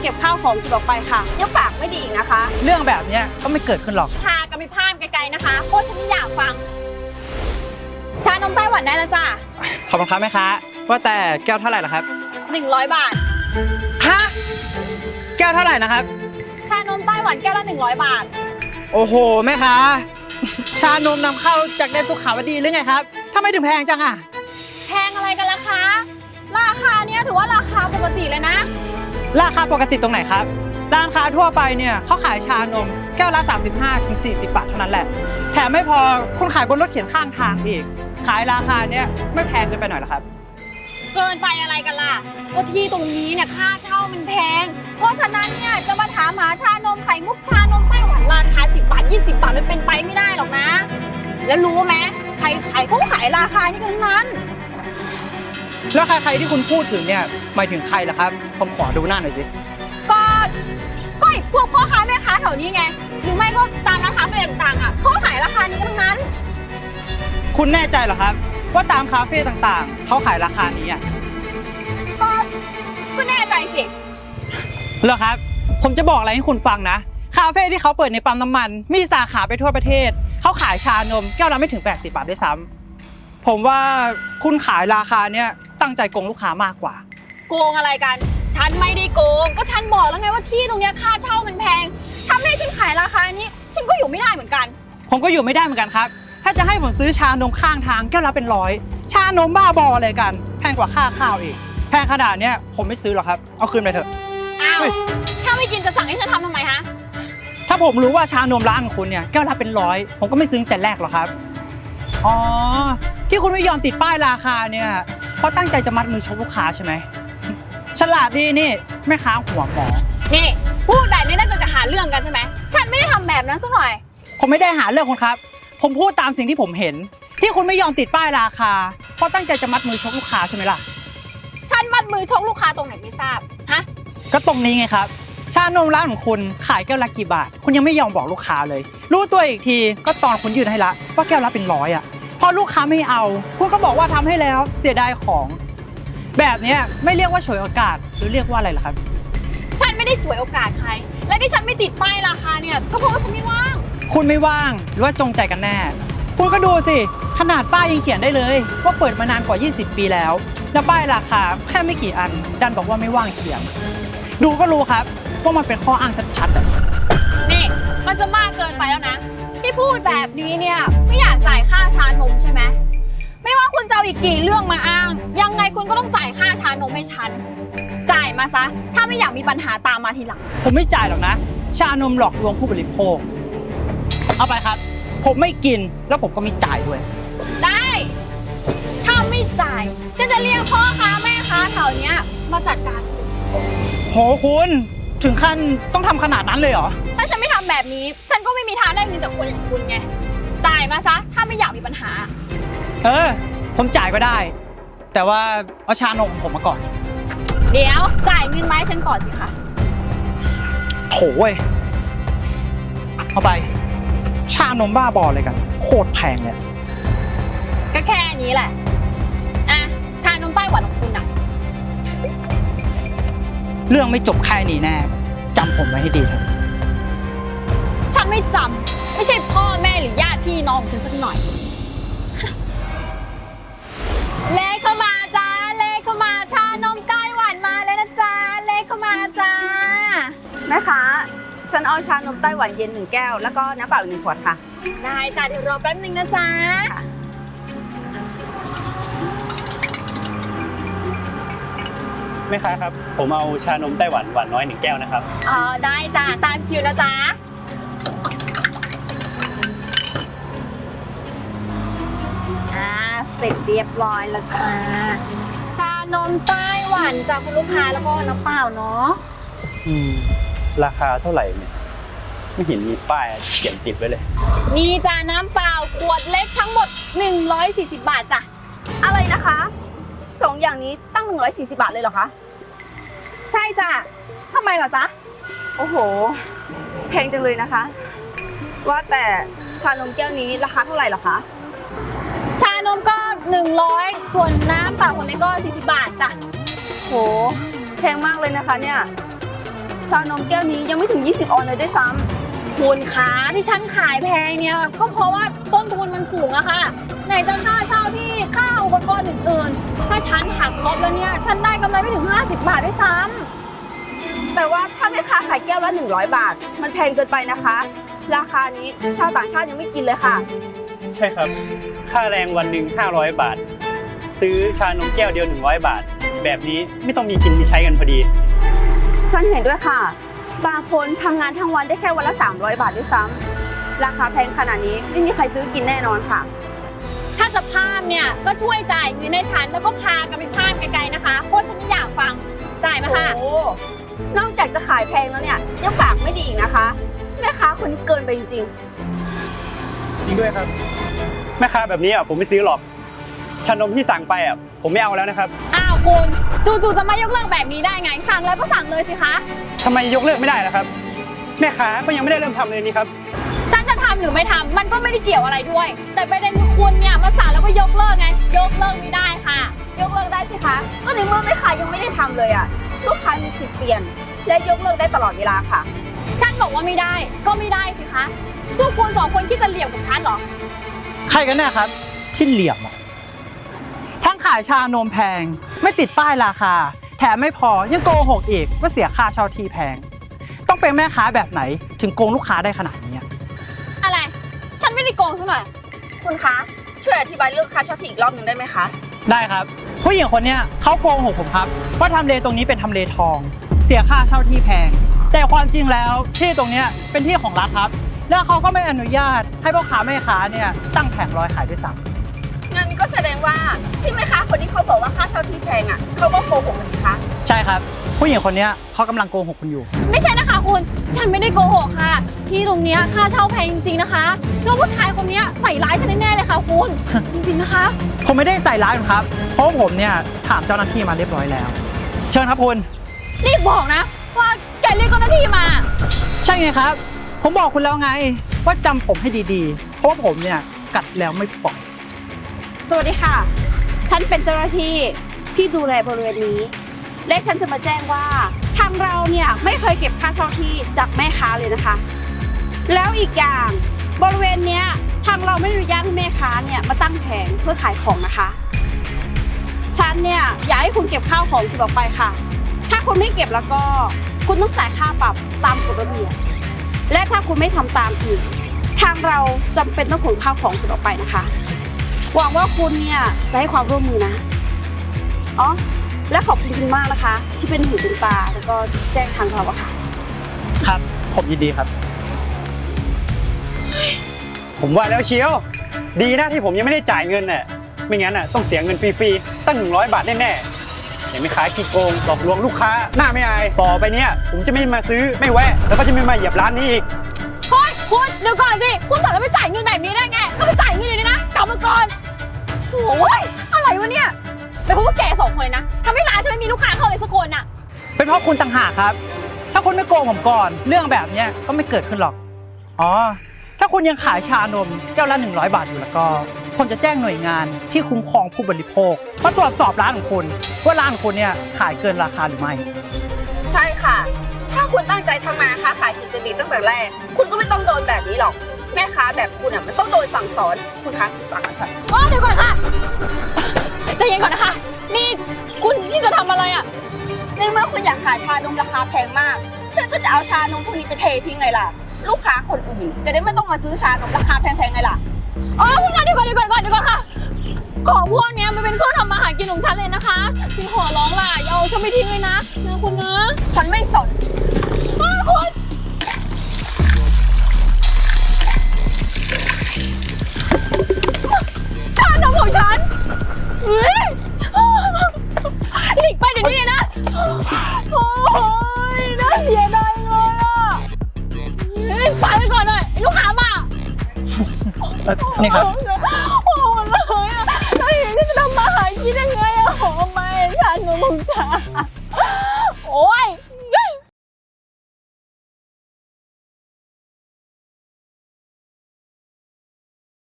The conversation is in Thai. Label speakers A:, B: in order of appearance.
A: เก็บข้าวของออกไปค่ะยังปากไม่ดีอีกนะคะ
B: เรื่องแบบนี้ก็ไม่เกิดขึ้นหรอก
C: พากันไปพามไกลๆนะคะเพราะฉันไม่อยากฟังชานมไต้หวันได้แล้วจ้ะ
B: ขอบคุณครับแม่ค้าว่าแต่แก้วเท่าไหร่ล่ะครับ
C: 100 บาท
B: ฮะแก้วเท่าไหร่นะครับ
C: ชานมไต้หวันแก้วละ100 บาท
B: โอ้โหแม่ค้าชานมนำเข้าจากแดนสุขาวดีหรือไงครับทำไมถึงแพงจังอะ
C: แพงอะไรกันล่ะคะราคาเนี้ยถือว่าราคาปกติเลยนะ
B: ราคาปกติตรงไหนครับร้านค้าทั่วไปเนี่ยเขาขายชานมแก้วละ35-40 บาทเท่านั้นแหละแถมไม่พอคุณขายบนรถเข็นข้างทางอีกขายราคาเนี้ยไม่แพงเกินไปหน่อยหรอครับ
C: เกินไปอะไรกันล่ะก็ที่ตรงนี้เนี่ยค่าเช่ามันแพงเพราะฉะนั้นเนี่ยจะมาถามหาชานมไข่มุกชานมไต้หวันราคา10 บาท20 บาทมันเป็นไปไม่ได้หรอกนะแล้วรู้ไหมใครขายเขาขายราคานี้กันทั้งนั้น
B: แล้วใครที่คุณพูดถึงเนี่ยหมายถึงใครล่ะครับผมขอดูหน้าหน่อยสิ
C: ก็พวกพ่อค้าแม่ค้าแถวนี้ไงหรือไม่ก็ตามร้านค้าไปต่างๆอ่ะเขาขายราคานี้กันทั้งนั้น
B: คุณแน่ใจเหรอครับว่าตามคาเฟ่ต่างๆเขาขายราคานี้อ่ะ
C: ก็แน่ใจสิ
B: เหรอครับผมจะบอกอะไรให้คุณฟังนะคาเฟ่ที่เขาเปิดในปั๊มน้ำมันมีสาขาไปทั่วประเทศเขาขายชานมแก้วละไม่ถึง80 บาทด้วยซ้ำผมว่าคุณขายราคาเนี้ยตั้งใจโกงลูกค้ามากกว่า
C: โกงอะไรกันฉันไม่ได้โกงก็ฉันบอกแล้วไงว่าที่ตรงเนี้ยค่าเช่ามันแพงทำให้ฉันขายราคานี้ฉันก็อยู่ไม่ได้เหมือนกัน
B: ผมก็อยู่ไม่ได้เหมือนกันครับถ้าจะให้ผมซื้อชานมข้างทางแก้วละเป็น100ชานมบ้าบออะไรกันแพงกว่าค่าข้าวอีกแพงขนาดเนี้ยผมไม่ซื้อหรอกครับเอาคืนไปเถอะ
C: อ้าวถ้าไม่กินจะสั่งให้ฉันทำไมฮะ
B: ถ้าผมรู้ว่าชานมร้านของคุณเนี่ยแก้วละเป็น100ผมก็ไม่ซื้อแต่แรกหรอกครับอ๋อที่คุณไม่ยอมติดป้ายราคาเนี่ยเพราะตั้งใจจะมัดมือชกลูกค้าใช่ไหมฉลาดดีนี่แม่ค้าหัวหมอ
C: นี่พูดแบบนี้น่าจะหาเรื่องกันใช่ไหมฉันไม่ได้ทำแบบนั้นสักหน่อย
B: ผมไม่ได้หาเรื่องคุณครับผมพูดตามสิ่งที่ผมเห็นที่คุณไม่ยอมติดป้ายราคาเพราะตั้งใจจะมัดมือชกลูกค้าใช่ไหมล่ะ
C: ฉันมัดมือชกลูกค้าตรงไหนไม่ทราบฮะ
B: ก็ตรงนี้ไงครับชานมร้านของคุณขายแก้วละกี่บาทคุณยังไม่ยอมบอกลูกค้าเลยรู้ตัวอีกทีก็ตอนคุณยื่นให้ละว่าแก้วละเป็น100อ่ะพอลูกค้าไม่เอาคุณก็บอกว่าทำให้แล้วเสียดายของแบบนี้ไม่เรียกว่าฉวยโอกาสหรือเรียกว่าอะไรล่ะครับ
C: ฉันไม่ได้ฉวยโอกาสใครและที่ฉันไม่ติดป้ายราคาเนี่ยก็เพราะว่าฉันไม่ว่าง
B: คุณไม่ว่างหรือว่าจงใจกันแน่คุณก็ดูสิขนาดป้ายยังเขียนได้เลยว่าเปิดมานานกว่า20 ปีแล้วแล้วป้ายราคาแค่ไม่กี่อันดันบอกว่าไม่ว่างเขียนดูก็รู้ครับว่ามันเป็นข้ออ้างชัด
C: ๆนี่มันจะมากเกินไปแล้วนะที่พูดแบบนี้เนี่ยไม่อยากจ่ายค่าชานมใช่ไหมไม่ว่าคุณจะเอาอีกกี่เรื่องมาอ้างยังไงคุณก็ต้องจ่ายค่าชานมให้ฉันจ่ายมาซะถ้าไม่อยากมีปัญหาตามมาทีหลัง
B: ผมไม่จ่ายหรอกนะชานมหลอกลวงผู้บริโภคเอาไปครับผมไม่กินแล้วผมก็ไม่จ่ายด้วย
C: ได้ถ้าไม่จ่ายฉันจะเรียกพ่อค้าแม่ค้าแถวเนี้ยมาจัดการ
B: โหคุณถึงขั้นต้องทำขนาดนั้นเลยเหรอ
C: ถ้าฉันไม่ทำแบบนี้ฉันก็ไม่มีทางได้เงินจากคนอย่างคุณไงจ่ายมาซะถ้าไม่อยากมีปัญหา
B: ผมจ่ายก็ได้แต่ว่าเอาชานมของผมมาก่อน
C: เดี๋ยวจ่ายเงินมาให้ฉันก่อนสิคะ
B: โถเว้ยเอาไปชานมบ้าบอเลยกันโคตรแพงเลย
C: ก็แค่นี้แหละอ่ะชานมไต้หวันของคุณอะ
B: เรื่องไม่จบแค่นี้แน่จำผมไว้ให้ดีเถอะ
C: ฉันไม่จำไม่ใช่พ่อแม่หรือญาติพี่น้องของฉันสักหน่อยเลขเข้ามาจ้าเลขเข้ามาชานมไต้หวันมาเลยนะจ้าเลขเข้ามาจ้า
A: แม่ค้าฉันเอาชานมไต้หวันเย็น1 แก้วแล้วก็น้ำเปล่า1 ขวดค่ะ
C: ได้จ้าเดี๋ยวรอแป๊บนึงนะจ้า
D: แม่ค้าครับผมเอาชานมไต้หวันหวานน้อย1 แก้วนะครับ
C: ได้จ้าตามคิวนะจ้า
A: เสร็จเรียบร้อยแล้วจ้า
C: ชานมไต้หวันจากคุณลูกค้าแล้วก็น้ำเปล่าเนาะ
D: ราคาเท่าไหร่เนี่ยไม่เห็นมีป้ายเขียนติดไว้เลย
C: นี่จ้าน้ำเปล่าขวดเล็กทั้งหมด140 บาทจ้ะ
A: อะไรนะคะ2 อย่างนี้ตั้ง140 บาทเลยเหรอคะใช่จ้ะทำไมเหรอจ๊ะโอ้โหแพงจังเลยนะคะว่าแต่ชานมแก้วนี้ราคาเท่าไหร่เหรอคะ
C: ชานมก็100ส่วนน้ำเปล่าคนนี้ก็40 บาทจ้ะ
A: โหแพงมากเลยนะคะเนี่ยชานมแก้วนี้ยังไม่ถึง20 ออนเลยด้วยซ้ำ
C: คุณคะที่ฉันขายแพงเนี่ยก็เพราะว่าต้นทุนมันสูงอะค่ะไหนจะค่าเช่าที่ค่าอุปกรณ์อื่นๆถ้าฉันหักลบแล้วเนี่ยฉันได้กำไรไม่ถึง50 บาทด้วยซ้ำ
A: แต่ว่าถ้าแม่ค้าขายแก้วละ100 บาท มันแพงเกินไปนะคะ ราคานี้ชาวต่างชาติยังไม่กินเลยค่ะ
D: ใช่ครับ ค่าแรงวันหนึ่ง500 บาท ซื้อชานมแก้วเดียว100 บาท แบบนี้ไม่ต้องมีกินมีใช้กันพอดี
A: ฉันเห็นด้วยค่ะ บางคนทำงานทั้งวันได้แค่วันละ300 บาทด้วยซ้ำราคาแพงขนาดนี้ไม่มีใครซื้อกินแน่นอนค่ะ
C: ถ้าจะพามเนี่ยก็ช่วยจ่ายเงินให้ฉันแล้วก็พากันไปพามไกลๆนะคะเพราะฉันไม่อยากฟังจ่ายมาค่ะ
A: โอ้นอกจากจะขายแพงแล้วเนี่ยยังปากไม่ดีอีกนะคะแม่ค้าคนนี้เกินไปจริง
D: จริงด้วยครับ แม่ค้าแบบนี้ผมไม่ซื้อหรอก ชานมที่สั่งไปผมไม่เอาแล้วนะครับ
C: อ้าวคุณจู่ๆจะไม่ยกเลิกแบบนี้ได้ไง สั่งแล้วก็สั่งเลยสิคะ
D: ทำไมยกเลิกไม่ได้ล่ะครับ แม่ค้าก็ยังไม่ได้เริ่มทำเลยนี่ครับ
C: ฉันจะทำหรือไม่ทำมันก็ไม่ได้เกี่ยวอะไรด้วย แต่ประเด็นคือคุณเนี่ยมาสั่งแล้วก็ยกเลิกไง ยกเลิกไม่ได้ค่ะ
A: ๆยกเลิกได้สิคะก็ในเมื่อแม่ค้ายังไม่ได้ทำเลยอ่ะลูกค้ามีสิทธิ์เปลี่ยน และยกเลิกได้ตลอดเวลาค่ะ
C: ฉันบอกว่าไม่ได้ก็ไม่ได้สิคะพวกคุณสองคนคิดจะเหลี่ยมกับฉันเหรอ
B: ใครกันแน่ครับที่เหลี่ยมอะทั้งขายชานมแพงไม่ติดป้ายราคา แถมไม่พอยังโกหกอีกว่าเสียค่าเช่าที่แพง ต้องเป็นแม่ค้าแบบไหนถึงโกงลูกค้าได้ขนาดนี้อะ
C: อะไร ฉันไม่ได้โกงซะหน่อย
A: คุณคะช่วยอธิบายเรื่องค่าเช่าที่อีกรอบหนึ่งได้ไหมคะ
B: ได้ครับผู้หญิงคนเนี้ยเขาโกหกผมครับว่าทำเลตรงนี้เป็นทำเลทอง เสียค่าเช่าที่แพง แต่ความจริงแล้วที่ตรงเนี้ยเป็นที่ของรัฐครับ แล้วเขาก็ไม่อนุญาตให้พ่อค้าแม่ค้าเนี่ยตั้งแผงลอยขายด้วยซ้ำ
A: งั้นก็แสดงว่าที่แม่ค้าคนที่เขาบอกว่าค่าเช่าที่แพงอ่ะเขาก็โกหกสิคะ
B: ใช่ครับ ผู้หญิงคนเนี้ยเขากำลังโกหกคุณอยู่
C: ไม่ใช่นะคะคุณ ฉันไม่ได้โกหกค่ะ ที่ตรงเนี้ยค่าเช่าแพงจริงๆนะคะเชื่อว่าผู้ชายคนเนี้ยใส่ร้ายฉันแน่ๆเลยค่ะคุณ จริงๆนะคะ
B: ผมไม่ได้ใส่ร้ายคุณครับ เพราะว่าผมเนี่ยถามเจ้าหน้าที่มาเรียบร้อยแล้ว เชิญครับคุณ
C: นี่บอกนะ ว่าแกเรียกเจ้าหน้าที่มา
B: ใช่ไงครับ ผมบอกคุณแล้วไง ว่าจำผมให้ดีๆ เพราะว่าผมเนี่ยกัดแล้วไม่ปล่อย
A: สวัสดีค่ะ ฉันเป็นเจ้าหน้าที่ที่ดูแลบริเวณนี้ และฉันจะมาแจ้งว่าทางเราเนี่ยไม่เคยเก็บค่าเช่าที่จากแม่ค้าเลยนะคะ แล้วอีกอย่างบริเวณเนี้ยทางเราไม่อนุญาตให้แม่ค้าเนี่ยมาตั้งแผงเพื่อขายของนะคะ ฉันเนี่ยอยากให้คุณเก็บข้าวของคุณออกไปค่ะ ถ้าคุณไม่เก็บแล้วก็คุณต้องจ่ายค่าปรับตามกฎระเบียบและถ้าคุณไม่ทำตามอีกทางเราจำเป็นต้องขนข้าวของคุณออกไปนะคะหวังว่าคุณเนี่ยจะให้ความร่วมมือนะอ๋อและขอบคุณคุณมากนะคะ ที่เป็นหูเป็นตาแล้วก็แจ้งทางเราอะค่ะ
B: ครับ ผมยินดีครับ
D: ผมว่าแล้วเชียว ดีนะที่ผมยังไม่ได้จ่ายเงินน่ะไม่งั้นต้องเสียเงินฟรีๆตั้ง100 บาทแน่ๆอย่าไม่ขายขี้โกงหลอกลวงลูกค้าหน้าไม่อายต่อไปเนี้ยผมจะไม่มาซื้อไม่แวะแล้วก็จะไม่มาเหยียบร้านนี้อีก
C: เฮ้ยคุณเดี๋ยวก่อนสิ คุณสั่งแล้วไม่จ่ายเงินแบบนี้ได้ไงก็ไปจ่ายเงินเลยนะกลับมาก่อนโอ้ยอะไรวะเนี่ยเป็นเพราะว่าแกสองคนเลยนะทำให้ร้านฉันไม่มีลูกค้าเข้าเลยสักคนน่ะ
B: เป็นเพราะคุณต่างหากครับ ถ้าคุณไม่โกงผมก่อน เรื่องแบบเนี้ยก็ไม่เกิดขึ้นหรอก อ๋อ ถ้าคุณยังขายชานมแก้วละ100 บาทอยู่แล้วก็ ผมจะแจ้งหน่วยงานที่คุ้มครองผู้บริโภคมาตรวจสอบร้านของคุณว่าร้านของคุณเนี่ยขายเกินราคาหรือไม่
A: ใช่ค่ะ ถ้าคุณตั้งใจทำมาค้าขายสุจริตตั้งแต่แรก คุณก็ไม่ต้องโดนแบบนี้หรอก แม่ค้าแบบคุณมันต้องโดนสั่งสอน คุณคะสั่งค่ะ
C: อ๋อเดี๋ยวก่อนค่ะใจเย็นก่อนนะคะ นี่คุณที่จะทำอะไรอ่ะ
A: ในเมื่อคุณอยากขายชานมราคาแพงมาก ฉันก็จะเอาชานมพวกนี้ไปเททิ้งไงล่ะ ลูกค้าคนอื่นจะได้ไม่ต้องมาซื้อชานมราคาแพงๆไงล่ะ
C: อ๋อคุณคะเดี๋ยวก่อนค่ะ ของพวกเนี้ยมันเป็นเครื่องทำมาหากินของฉันเลยนะคะจริงขอร้องล่ะอย่าเอาฉันไปทิ้งเลยนะคุณนะ
A: ฉันไม่สน
C: คุณชานมของฉันเฮ้ยหลีกไปเดี๋ยวนี้เลยนะโอ้ยน่าเสียดายเลยอ่ะเฮ้ยไปก่อนเลยลูกค้ามา
B: นี่ครับ
C: โอ้เลยอ่ะแล้วอย่างนี้จะทำมาหากินยังไงอ่ะโอ้ไม่ชานมของฉัน